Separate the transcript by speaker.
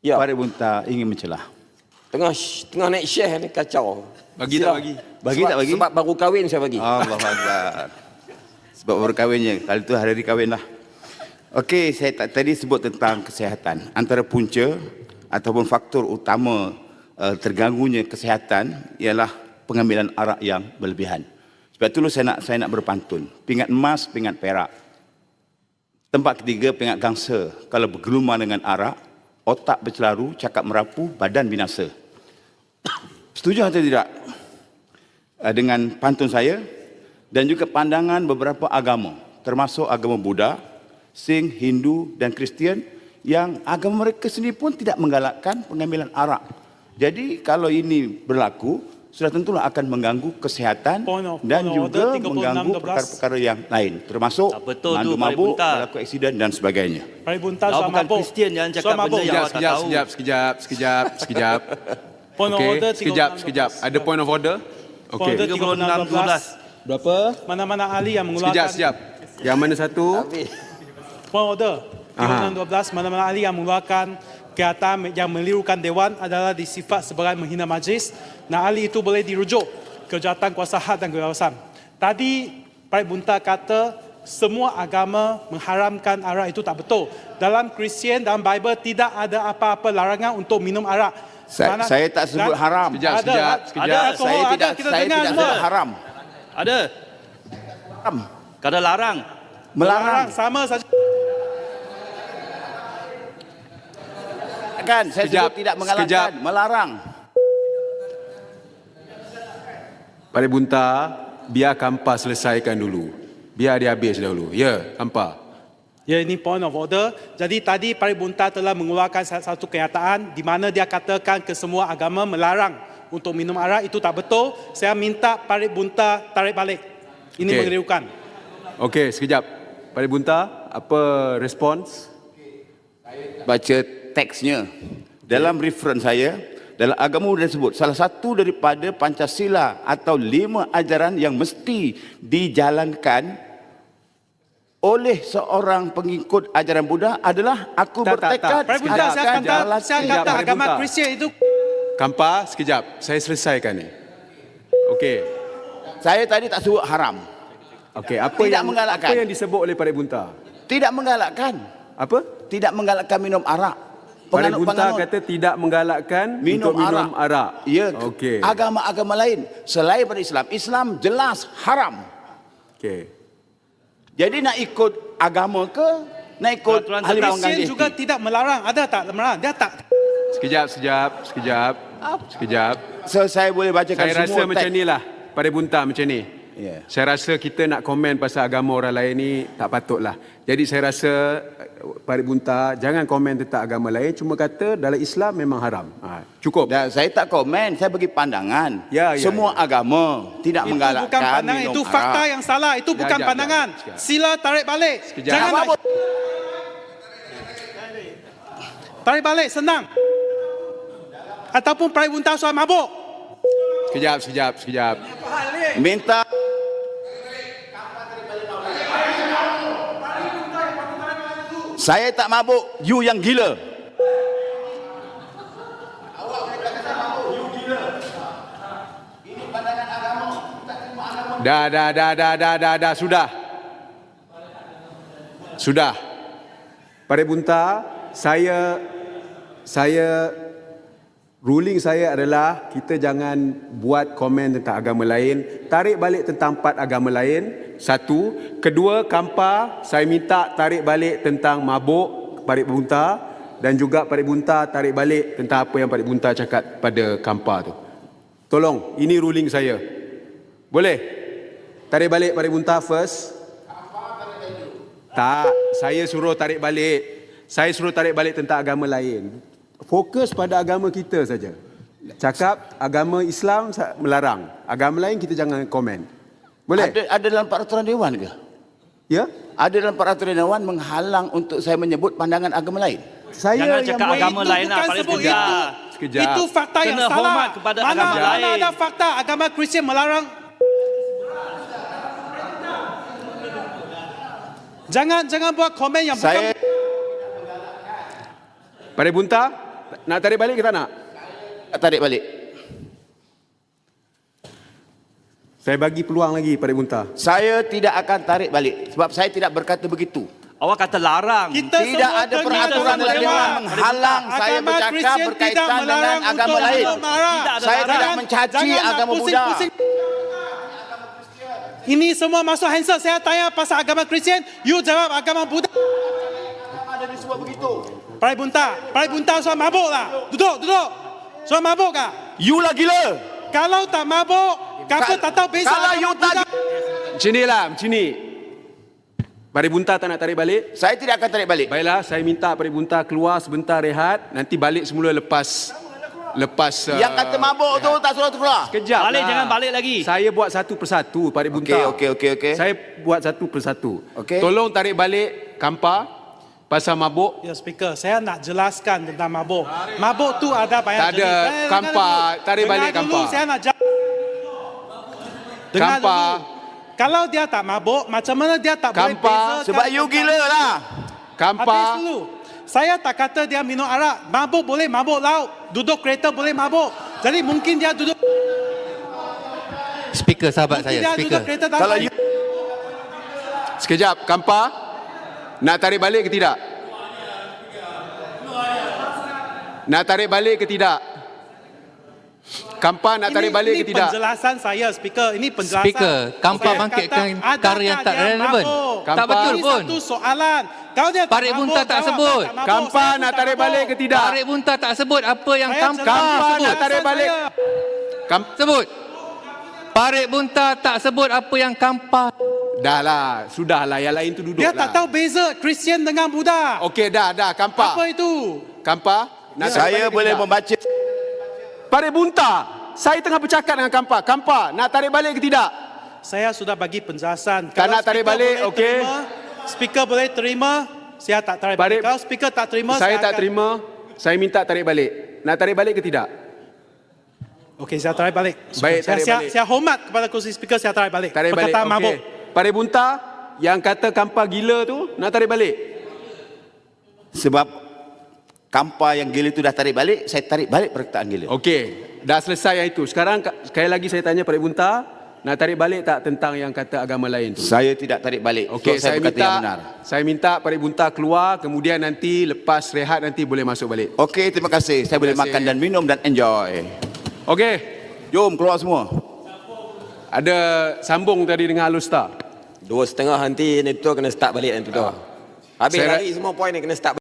Speaker 1: Ya.
Speaker 2: Farid Bunta ingin mencelah.
Speaker 1: Tengah naik share ni kacau.
Speaker 3: Bagi tak bagi?
Speaker 2: Bagi
Speaker 1: sebab,
Speaker 2: tak bagi?
Speaker 1: Sebab baru kahwin saya bagi.
Speaker 2: Allah Akbar. Sebab baru kahwinnya. Kali itu hari kahwin lah. Okey, saya tadi sebut tentang kesihatan. Antara punca ataupun faktor utama terganggunya kesihatan ialah pengambilan arak yang berlebihan. Sebab itulah saya nak berpantun. Pingat emas, pingat perak. Tempat ketiga, pingat gangsa. Kalau bergelumang dengan arak, otak bercelaru, cakap merapu, badan binasa. Setuju atau tidak dengan pantun saya dan juga pandangan beberapa agama, termasuk agama Buddha, Sikh, Hindu dan Kristian, yang agama mereka sendiri pun tidak menggalakkan pengambilan arak. Jadi kalau ini berlaku, sudah tentulah akan mengganggu kesihatan dan juga mengganggu perkara-perkara yang lain, termasuk mandu mabuk, berlaku aksiden dan sebagainya.
Speaker 4: Farid Bunta
Speaker 3: Kau
Speaker 4: soal
Speaker 3: bukan
Speaker 4: mabuk.
Speaker 3: Kristian, jangan cakap benda yang awak tak tahu.
Speaker 5: Sekejap.
Speaker 4: Point of order
Speaker 5: Okey, sekejap. Ada point of order?
Speaker 4: Point
Speaker 5: Okey.
Speaker 4: order 36-12.
Speaker 5: Berapa?
Speaker 4: Mana-mana ahli yang mengeluarkan
Speaker 5: Sekejap. Yang mana satu?
Speaker 4: point order 36-12, mana-mana ahli yang mengeluarkan kenyataan yang melirukan Dewan adalah disifat sebagai menghina majlis. Nah, ahli itu boleh dirujuk ke Jawatan Kuasa Had dan Kebebasan. Tadi Farid Bunta kata semua agama mengharamkan arak, itu tak betul. Dalam Kristian, dalam Bible tidak ada apa-apa larangan untuk minum arak.
Speaker 2: Saya tak sebut haram.
Speaker 5: Sekejap.
Speaker 2: Saya tidak sebut haram.
Speaker 3: Ada.
Speaker 2: Haram.
Speaker 3: Kadang larang.
Speaker 2: Melarang.
Speaker 4: Sama saja.
Speaker 2: Kan saya sebut tidak mengalahkan, melarang.
Speaker 5: Farid Bunta, biar Kampa selesaikan dulu. Biar dia habis dahulu. Ya, Kampa.
Speaker 4: Ya, ini point of order. Jadi tadi Farid Bunta telah mengeluarkan satu kenyataan di mana dia katakan kesemua agama melarang untuk minum arak. Itu tak betul. Saya minta Farid Bunta tarik balik. Ini mengelirukan.
Speaker 5: Okey, sekejap. Farid Bunta, apa respons?
Speaker 2: Baca teksnya. Dalam reference saya, dalam agama Buddha disebut salah satu daripada Pancasila atau 5 ajaran yang mesti dijalankan oleh seorang pengikut ajaran Buddha adalah aku bertekad
Speaker 4: Farid Bunta, saya kata agama
Speaker 5: Bunta.
Speaker 4: Kristian itu.
Speaker 5: Kampa, sekejap. Saya selesaikan ni. Okey.
Speaker 2: Saya tadi tak sebut haram.
Speaker 5: Okey, apa
Speaker 2: Tidak
Speaker 5: yang
Speaker 2: menggalakkan.
Speaker 5: apa yang disebut oleh Farid Bunta?
Speaker 2: Tidak menggalakkan.
Speaker 5: Apa?
Speaker 2: Tidak menggalakkan minum arak.
Speaker 5: Farid Bunta kata tidak menggalakkan untuk minum arak.
Speaker 2: Ya,
Speaker 5: okey.
Speaker 2: agama-agama lain selain daripada Islam. Islam jelas haram.
Speaker 5: Okey.
Speaker 2: Jadi nak ikut agama ke? Nak ikut ahli
Speaker 4: Kristian
Speaker 2: mengganti?
Speaker 4: juga tidak melarang. Ada tak melarang? Dia tak.
Speaker 5: Sekejap.
Speaker 2: So, saya boleh bacakan
Speaker 5: Saya
Speaker 2: semua
Speaker 5: rasa macam ni lah. Farid Bunta macam ni.
Speaker 2: Ya.
Speaker 5: Saya rasa kita nak komen pasal agama orang lain ni tak patut lah. Jadi saya rasa Farid Bunta jangan komen tentang agama lain. Cuma kata dalam Islam memang haram. Cukup.
Speaker 2: Dan saya tak komen, saya bagi pandangan.
Speaker 5: Ya.
Speaker 2: Semua agama tidak
Speaker 4: Itu
Speaker 2: menggalakkan
Speaker 4: bukan pandangan,
Speaker 2: minum
Speaker 4: itu fakta
Speaker 2: arak.
Speaker 4: yang salah. Itu bukan
Speaker 5: Sekejap,
Speaker 4: pandangan.
Speaker 5: sekejap.
Speaker 4: Sila tarik balik.
Speaker 5: Sekejap.
Speaker 4: Jangan
Speaker 2: Apa?
Speaker 4: tarik balik, senang. Ataupun Farid Bunta soal mabuk.
Speaker 5: Sekejap.
Speaker 2: Minta saya tak mabuk, you yang gila.
Speaker 5: Dah. Sudah. Farid Bunta, saya ruling saya adalah kita jangan buat komen tentang agama lain. Tarik balik tentang 4 agama lain. Satu. Kedua, Kampa, saya minta tarik balik tentang mabuk Farid Bunta. Dan juga Farid Bunta tarik balik tentang apa yang Farid Bunta cakap pada Kampa tu. Tolong, ini ruling saya. Boleh? Tarik balik Farid Bunta first. Tak, saya suruh tarik balik. Saya suruh tarik balik tentang agama lain. Fokus pada agama kita saja. Cakap agama Islam melarang. Agama lain kita jangan komen. Boleh?
Speaker 2: Ada dalam peraturan Dewan ke?
Speaker 5: Ya?
Speaker 2: Ada dalam peraturan Dewan menghalang untuk saya menyebut pandangan agama lain?
Speaker 3: Jangan cakap agama
Speaker 4: Itu
Speaker 3: lain lah,
Speaker 4: bukan
Speaker 3: Farid
Speaker 4: sebut
Speaker 3: Bunta.
Speaker 5: Sekejap.
Speaker 4: Itu fakta yang
Speaker 3: Kena
Speaker 4: salah.
Speaker 3: hormat kepada agama
Speaker 4: Mana
Speaker 3: lain.
Speaker 4: ada fakta agama Kristian melarang. Jangan buat komen yang
Speaker 2: Saya
Speaker 4: bukan.
Speaker 5: Farid Bunta, Nak tarik balik ke tak nak?
Speaker 2: Tarik balik.
Speaker 5: Saya bagi peluang lagi pada Bunta.
Speaker 2: Saya tidak akan tarik balik sebab saya tidak berkata begitu.
Speaker 3: Awak kata larang.
Speaker 4: Kita
Speaker 2: Tidak
Speaker 4: semua
Speaker 2: ada
Speaker 4: dengar
Speaker 2: peraturan
Speaker 4: sama
Speaker 2: dalam
Speaker 4: dewan.
Speaker 2: Dewan menghalang saya
Speaker 4: Agama
Speaker 2: bercakap
Speaker 4: Kristian
Speaker 2: berkaitan
Speaker 4: tidak
Speaker 2: dengan
Speaker 4: melarang
Speaker 2: agama
Speaker 4: untuk
Speaker 2: lain.
Speaker 4: memeluk marah.
Speaker 3: Tidak ada
Speaker 2: Saya
Speaker 3: larang.
Speaker 2: tidak mencaci
Speaker 4: Jangan nak
Speaker 2: agama Buddha.
Speaker 4: pusing-pusing. Ini semua masuk handset. Saya tanya pasal agama Kristian, you jawab agama Buddha.
Speaker 2: Ada disebut begitu.
Speaker 4: Parai Bunta sudah mabuk lah. Duduk. Sudah mabuk kah?
Speaker 2: You lah gila.
Speaker 4: Kalau tak mabuk, kenapa tak tahu beza
Speaker 2: Kalau
Speaker 4: agama
Speaker 2: you tak
Speaker 4: Buddha?
Speaker 5: Macam ni lah, macam ni. Pada Bunta tak nak tarik balik?
Speaker 2: saya tidak akan tarik balik.
Speaker 5: Baiklah, saya minta pada Bunta keluar sebentar rehat. Nanti balik semula lepas
Speaker 2: Yang kata mabuk tu tak suruh keluar.
Speaker 5: Kejap
Speaker 3: Balik,
Speaker 5: lah.
Speaker 3: jangan balik lagi.
Speaker 5: Saya buat satu persatu pada Bunta.
Speaker 2: Okey.
Speaker 5: Saya buat satu persatu.
Speaker 2: Okey.
Speaker 5: Tolong tarik balik Kampa pasal mabuk.
Speaker 4: Ya, speaker, saya nak jelaskan tentang mabuk. Mabuk tu ada banyak
Speaker 5: Tak ada.
Speaker 4: jenis.
Speaker 5: Kampa, tarik balik
Speaker 4: Dengar dulu,
Speaker 5: Kampa.
Speaker 4: saya nak jawab. Dengar
Speaker 5: Kampa.
Speaker 4: dulu. Kalau dia tak mabuk, macam mana dia tak boleh
Speaker 5: Kampa,
Speaker 4: bezakan
Speaker 2: Sebab you
Speaker 4: tentang-
Speaker 2: gila lah.
Speaker 4: Habis
Speaker 5: Kampa,
Speaker 4: dulu. Saya tak kata dia minum arak. Mabuk boleh mabuk laut. Duduk kereta boleh mabuk. Jadi mungkin dia duduk
Speaker 6: Speaker sahabat
Speaker 4: mungkin
Speaker 6: saya,
Speaker 4: dia
Speaker 6: speaker.
Speaker 4: duduk kereta tak
Speaker 2: Kalau
Speaker 4: baik.
Speaker 2: you
Speaker 5: sekejap. Kampa, nak tarik balik ke tidak? Nak tarik balik ke tidak? Kampa nak tarik balik ke tidak?
Speaker 4: Ini penjelasan saya, speaker. Ini penjelasan.
Speaker 6: Speaker, Kampa
Speaker 4: Saya
Speaker 6: bangkitkan
Speaker 4: kata,
Speaker 6: perkara yang
Speaker 4: adakah
Speaker 6: tak
Speaker 4: dia
Speaker 6: relevan.
Speaker 4: mabuk?
Speaker 5: Tak
Speaker 6: betul
Speaker 4: Ini
Speaker 6: pun.
Speaker 4: satu soalan. Kalau dia tak
Speaker 6: Parik Bunta tak
Speaker 4: jawab,
Speaker 6: sebut.
Speaker 4: tak mabuk.
Speaker 5: Kampa
Speaker 4: Saya pun
Speaker 5: nak
Speaker 4: tak
Speaker 5: tarik
Speaker 4: mabuk.
Speaker 5: balik ke tidak?
Speaker 6: Tarik Bunta tak sebut apa yang
Speaker 4: Saya
Speaker 6: Kampa
Speaker 4: jelaskan
Speaker 5: Kampa nak
Speaker 6: sebut.
Speaker 5: tarik balik.
Speaker 4: saya.
Speaker 6: Sebut. Parik Bunta tak sebut apa yang Kampa.
Speaker 5: Dah lah, sudah lah. Yang lain tu duduk
Speaker 4: Dia
Speaker 5: lah.
Speaker 4: tak tahu beza Kristian dengan Buddha.
Speaker 5: Okey, dah. Kampa.
Speaker 4: Apa itu?
Speaker 5: Kampa, nak tarik
Speaker 2: saya
Speaker 5: balik ke
Speaker 2: boleh
Speaker 5: tidak?
Speaker 2: membaca.
Speaker 5: Parik Bunta, saya tengah bercakap dengan Kampa. Kampa, nak tarik balik ke tidak?
Speaker 4: Saya sudah bagi penjelasan.
Speaker 5: Tak nak tarik
Speaker 4: speaker
Speaker 5: balik,
Speaker 4: boleh
Speaker 5: okey.
Speaker 4: terima, speaker boleh terima, saya tak tarik balik.
Speaker 5: Parik-
Speaker 4: Kalau speaker tak terima,
Speaker 5: Saya tak
Speaker 4: akan-
Speaker 5: terima. Saya minta tarik balik. Nak tarik balik ke tidak?
Speaker 4: Okey, saya tarik balik.
Speaker 5: Baik,
Speaker 4: saya,
Speaker 5: tarik
Speaker 4: saya,
Speaker 5: balik.
Speaker 4: saya hormat kepada kursi speaker, saya tarik balik.
Speaker 5: Tarik balik.
Speaker 4: Perkataan mabuk.
Speaker 5: Parik Bunta, yang kata Kampa gila tu, nak tarik balik.
Speaker 2: Sebab Kampa yang gila itu dah tarik balik, saya tarik balik perkataan gila.
Speaker 5: Okey, dah selesai yang itu. Sekarang sekali lagi saya tanya Parik Bunta, nak tarik balik tak tentang yang kata agama lain tu?
Speaker 2: Saya tidak tarik balik.
Speaker 5: Okey,
Speaker 2: Sebab saya berkata yang benar.
Speaker 5: saya minta Parik Bunta keluar, kemudian nanti lepas rehat nanti boleh masuk balik.
Speaker 2: Okey, terima kasih. Saya boleh
Speaker 5: Terima kasih.
Speaker 2: makan dan minum dan enjoy.
Speaker 5: Okey,
Speaker 2: Jom keluar semua.
Speaker 5: ada sambung tadi dengan Alustar.
Speaker 1: 2:30 nanti ni tu kena start balik nanti tu. Habis
Speaker 5: Saya-
Speaker 1: lari semua poin ni kena start